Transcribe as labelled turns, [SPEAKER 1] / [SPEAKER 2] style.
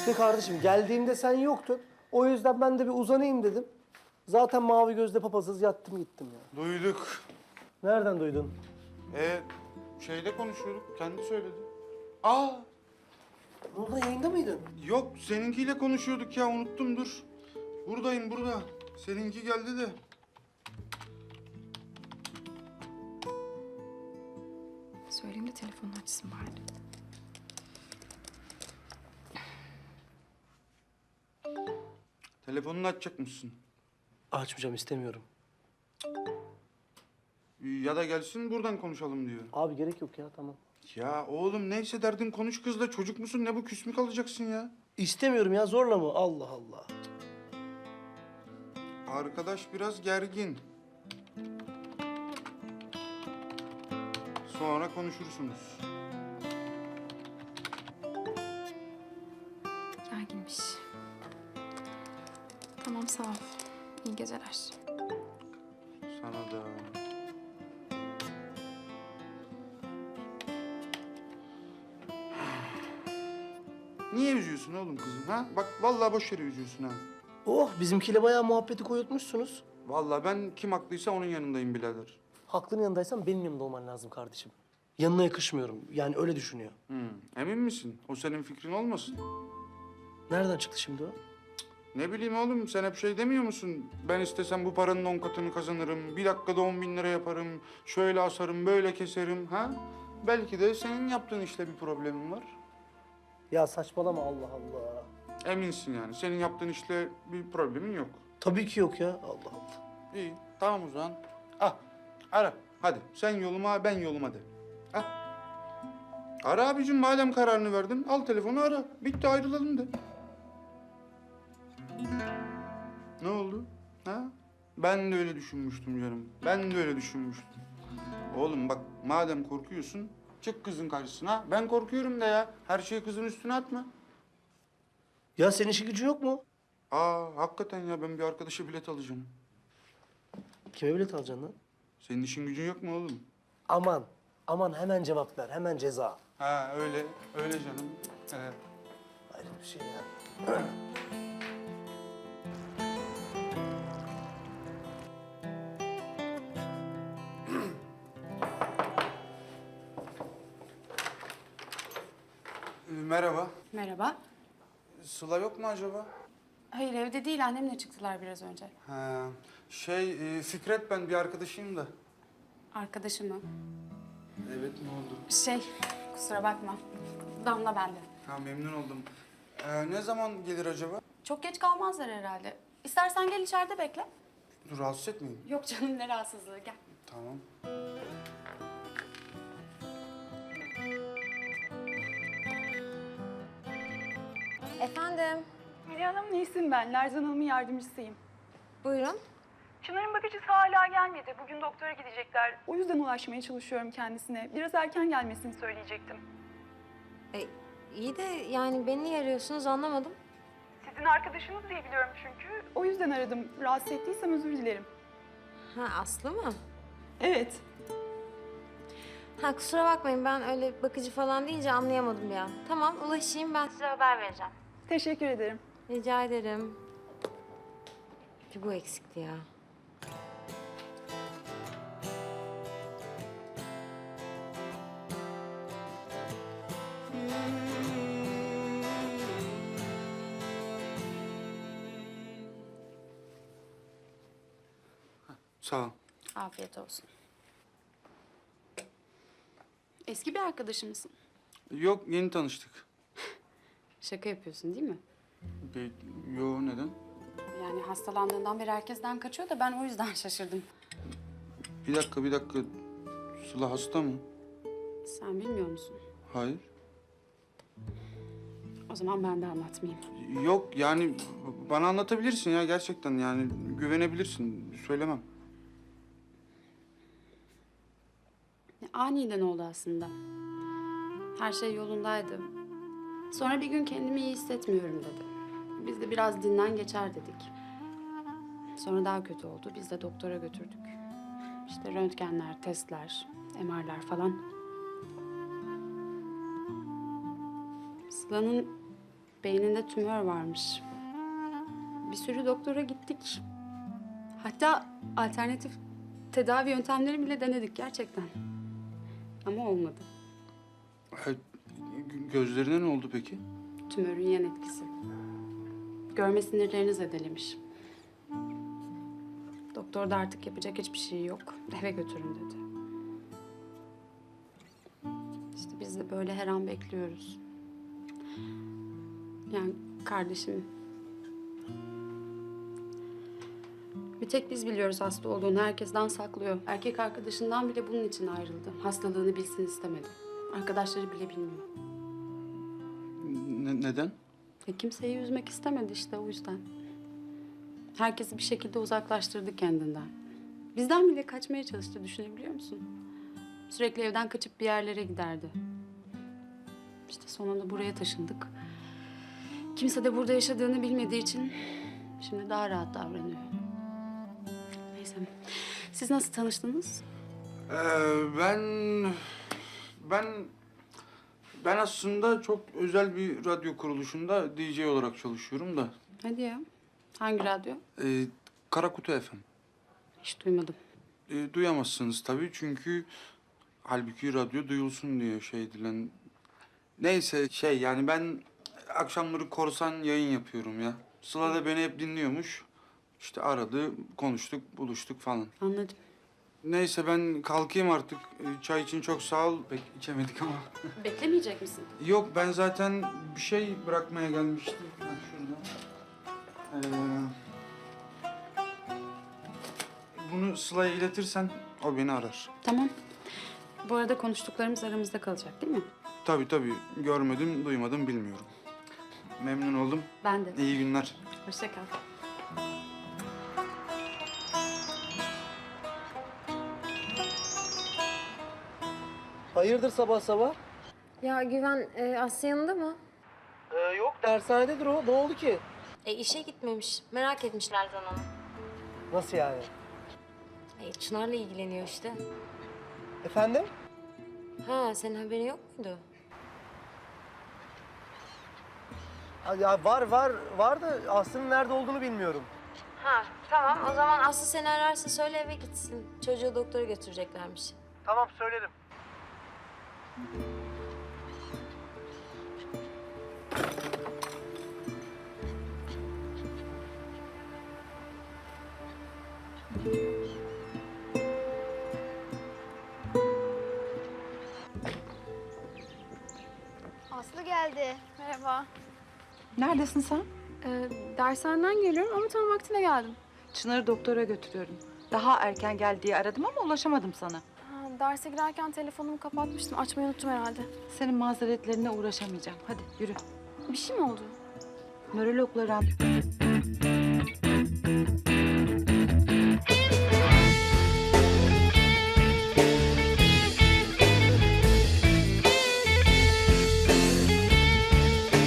[SPEAKER 1] İşte kardeşim geldiğimde sen yoktun. O yüzden ben de bir uzanayım dedim. Zaten mavi gözle papazız yattım gittim ya.
[SPEAKER 2] Duyduk.
[SPEAKER 1] Nereden duydun?
[SPEAKER 2] Şeyde konuşuyorduk. Kendi söyledi. Aa,
[SPEAKER 1] Burada yayında mıydın?
[SPEAKER 2] yok seninkiyle konuşuyorduk ya. Unuttum dur. Buradayım burada. Seninki geldi de.
[SPEAKER 3] Söyleyeyim de telefonunu açsın bari.
[SPEAKER 2] Telefonunu açacak mısın?
[SPEAKER 1] Açmayacağım istemiyorum.
[SPEAKER 2] Ya da gelsin buradan konuşalım diyor.
[SPEAKER 1] Abi gerek yok ya tamam.
[SPEAKER 2] Ya oğlum neyse derdin konuş kızla. Çocuk musun? Ne bu küs mü kalacaksın ya?
[SPEAKER 1] İstemiyorum ya zorla mı? Allah Allah.
[SPEAKER 2] Arkadaş biraz gergin. Sonra konuşursunuz.
[SPEAKER 3] Gerginmiş. Tamam sağ ol. İyi geceler.
[SPEAKER 2] Sana da. Niye üzüyorsun oğlum kızım ha? Bak vallahi boş yere üzüyorsun ha.
[SPEAKER 1] Oh bizimkiyle bayağı muhabbeti koyutmuşsunuz.
[SPEAKER 2] Vallahi ben kim haklıysa onun yanındayım birader.
[SPEAKER 1] Haklının yanındaysan benim yanımda olman lazım kardeşim. Yanına yakışmıyorum. Yani öyle düşünüyor.
[SPEAKER 2] Emin misin? O senin fikrin olmasın?
[SPEAKER 1] Nereden çıktı şimdi o?
[SPEAKER 2] Ne bileyim oğlum sen hep şey demiyor musun? Ben istesem bu paranın 10 katını kazanırım. Bir dakikada 10.000 lira yaparım. Şöyle asarım, böyle keserim ha? Belki de senin yaptığın işte bir problemin var.
[SPEAKER 1] Ya saçmalama Allah Allah.
[SPEAKER 2] Eminsin yani. Senin yaptığın işle bir problemin yok.
[SPEAKER 1] Tabii ki yok ya. Allah Allah.
[SPEAKER 2] İyi, tamam o zaman. Ah, ara. Hadi sen yoluma, ben yoluma de. Ah. Ara abicim madem kararını verdin. Al telefonu ara. Bitti ayrılalım de. Ne oldu? Ha? Ben de öyle düşünmüştüm canım. Ben de öyle düşünmüştüm. Oğlum bak madem korkuyorsun çık kızın karşısına. Ben korkuyorum da ya. Her şeyi kızın üstüne atma.
[SPEAKER 1] Ya senin işi gücü yok mu?
[SPEAKER 2] Hakikaten ya ben bir arkadaşa bilet alacağım.
[SPEAKER 1] Kime bilet alacaksın lan?
[SPEAKER 2] Senin işin gücün yok mu oğlum?
[SPEAKER 1] Aman, aman hemen cevap ver. Hemen ceza.
[SPEAKER 2] Ha öyle, öyle canım. Evet.
[SPEAKER 1] Ayrı bir şey ya.
[SPEAKER 2] Merhaba.
[SPEAKER 4] Merhaba.
[SPEAKER 2] Sıla yok mu acaba?
[SPEAKER 4] Hayır evde değil annemle çıktılar biraz önce.
[SPEAKER 2] Ha, Fikret ben bir arkadaşıyım da.
[SPEAKER 4] Arkadaşı mı?
[SPEAKER 2] Evet ne oldu?
[SPEAKER 4] Kusura bakma. Damla bende.
[SPEAKER 2] Ha memnun oldum. Ne zaman gelir acaba?
[SPEAKER 4] Çok geç kalmazlar herhalde. İstersen gel içeride bekle.
[SPEAKER 2] Dur rahatsız etmeyin.
[SPEAKER 4] Yok canım ne rahatsızlığı gel.
[SPEAKER 2] Tamam.
[SPEAKER 5] Efendim,
[SPEAKER 6] Melih Hanım Nesin ben. Lerzan Hanım'ın yardımcısıyım.
[SPEAKER 5] buyurun.
[SPEAKER 6] Çınar'ın bakıcısı hala gelmedi. Bugün doktora gidecekler. O yüzden ulaşmaya çalışıyorum kendisine. Biraz erken gelmesini söyleyecektim.
[SPEAKER 5] İyi de yani beni niye arıyorsunuz anlamadım.
[SPEAKER 6] Sizin arkadaşınız diye biliyorum çünkü. O yüzden aradım. Rahatsız ettiysem özür dilerim.
[SPEAKER 5] Ha Aslı mı?
[SPEAKER 6] Evet.
[SPEAKER 5] Ha kusura bakmayın ben öyle bakıcı falan deyince anlayamadım bir an. Tamam ulaşayım ben size haber vereceğim.
[SPEAKER 6] Teşekkür ederim.
[SPEAKER 5] Rica ederim. Bir bu eksikti ya.
[SPEAKER 2] Sağ ol.
[SPEAKER 4] Afiyet olsun. Eski bir arkadaşı mısın?
[SPEAKER 2] Yok yeni tanıştık.
[SPEAKER 4] Şaka yapıyorsun değil mi?
[SPEAKER 2] Yo neden?
[SPEAKER 4] Yani hastalandığından beri herkesten kaçıyor da ben o yüzden şaşırdım.
[SPEAKER 2] Bir dakika. Sıla hasta mı?
[SPEAKER 4] Sen bilmiyor musun?
[SPEAKER 2] Hayır.
[SPEAKER 4] O zaman ben de anlatmayayım.
[SPEAKER 2] Yok yani bana anlatabilirsin ya gerçekten yani güvenebilirsin. Söylemem.
[SPEAKER 4] Aniden oldu aslında. Her şey yolundaydı. Sonra bir gün kendimi iyi hissetmiyorum dedi. Biz de biraz dinlen geçer dedik. Sonra daha kötü oldu. Biz de doktora götürdük. İşte röntgenler, testler, MR'lar falan. Sıla'nın Beyninde tümör varmış. Bir sürü doktora gittik. Hatta alternatif tedavi yöntemleri bile denedik gerçekten. Ama olmadı.
[SPEAKER 2] Gözlerine ne oldu peki?
[SPEAKER 4] Tümörün yan etkisi. Görme sinirlerini zedelemiş. Doktor da artık yapacak hiçbir şey yok. Eve götürün dedi. İşte biz de böyle her an bekliyoruz. Yani kardeşim. Bir tek biz biliyoruz hasta olduğunu. Herkesten saklıyor. Erkek arkadaşından bile bunun için ayrıldı. Hastalığını bilsin istemedi. Arkadaşları bile bilmiyor.
[SPEAKER 2] Neden?
[SPEAKER 4] Kimseyi üzmek istemedi işte o yüzden. Herkesi bir şekilde uzaklaştırdı kendinden. Bizden bile kaçmaya çalıştı, düşünebiliyor musun? Sürekli evden kaçıp bir yerlere giderdi. İşte sonunda buraya taşındık. Kimse de burada yaşadığını bilmediği için şimdi daha rahat davranıyor. Neyse. Siz nasıl tanıştınız?
[SPEAKER 2] Ben aslında çok özel bir radyo kuruluşunda DJ olarak çalışıyorum da.
[SPEAKER 4] Hadi ya. Hangi radyo?
[SPEAKER 2] Karakutu FM.
[SPEAKER 4] Hiç duymadım.
[SPEAKER 2] Duyamazsınız tabii çünkü halbuki radyo duyulsun diye şey edilen. Neyse yani ben akşamları korsan yayın yapıyorum ya. Sıla da beni hep dinliyormuş. İşte aradı, konuştuk, buluştuk falan.
[SPEAKER 4] Anladım.
[SPEAKER 2] Neyse ben kalkayım artık. Çay için çok sağ ol. Pek içemedik ama.
[SPEAKER 4] Beklemeyecek misin?
[SPEAKER 2] Yok ben zaten bir şey bırakmaya gelmiştim. Ha, şurada. Bunu Sıla'ya iletirsen o beni arar.
[SPEAKER 4] Tamam. Bu arada konuştuklarımız aramızda kalacak değil mi?
[SPEAKER 2] Tabii görmedim, duymadım, bilmiyorum. Memnun oldum.
[SPEAKER 4] Ben de.
[SPEAKER 2] İyi günler.
[SPEAKER 4] Hoşça kal.
[SPEAKER 1] Hayırdır sabah sabah?
[SPEAKER 5] Ya Güven Aslı yanında mı?
[SPEAKER 1] Yok dershanededir o. Ne oldu ki?
[SPEAKER 5] İşe gitmemiş. Merak etmişler Zanan'ı.
[SPEAKER 1] Nasıl yani?
[SPEAKER 5] Çınar'la ilgileniyor işte.
[SPEAKER 1] Efendim?
[SPEAKER 5] Ha, senin haberin yok muydu?
[SPEAKER 1] Ya var da Aslı'nın nerede olduğunu bilmiyorum.
[SPEAKER 5] Ha, tamam. O zaman Aslı seni ararsa söyle eve gitsin. Çocuğu doktora götüreceklermiş.
[SPEAKER 1] Tamam söylerim.
[SPEAKER 7] Aslı geldi.
[SPEAKER 3] Merhaba.
[SPEAKER 8] Neredesin sen?
[SPEAKER 3] Dershaneden geliyorum ama tam vaktine geldim.
[SPEAKER 8] Çınar'ı doktora götürüyorum. Daha erken gel diye aradım ama ulaşamadım sana.
[SPEAKER 3] Ha, derse girerken telefonumu kapatmıştım. Açmayı unuttum herhalde.
[SPEAKER 8] Senin mazeretlerine uğraşamayacağım. Hadi yürü.
[SPEAKER 3] Bir şey mi oldu?
[SPEAKER 8] Nörologla randevu...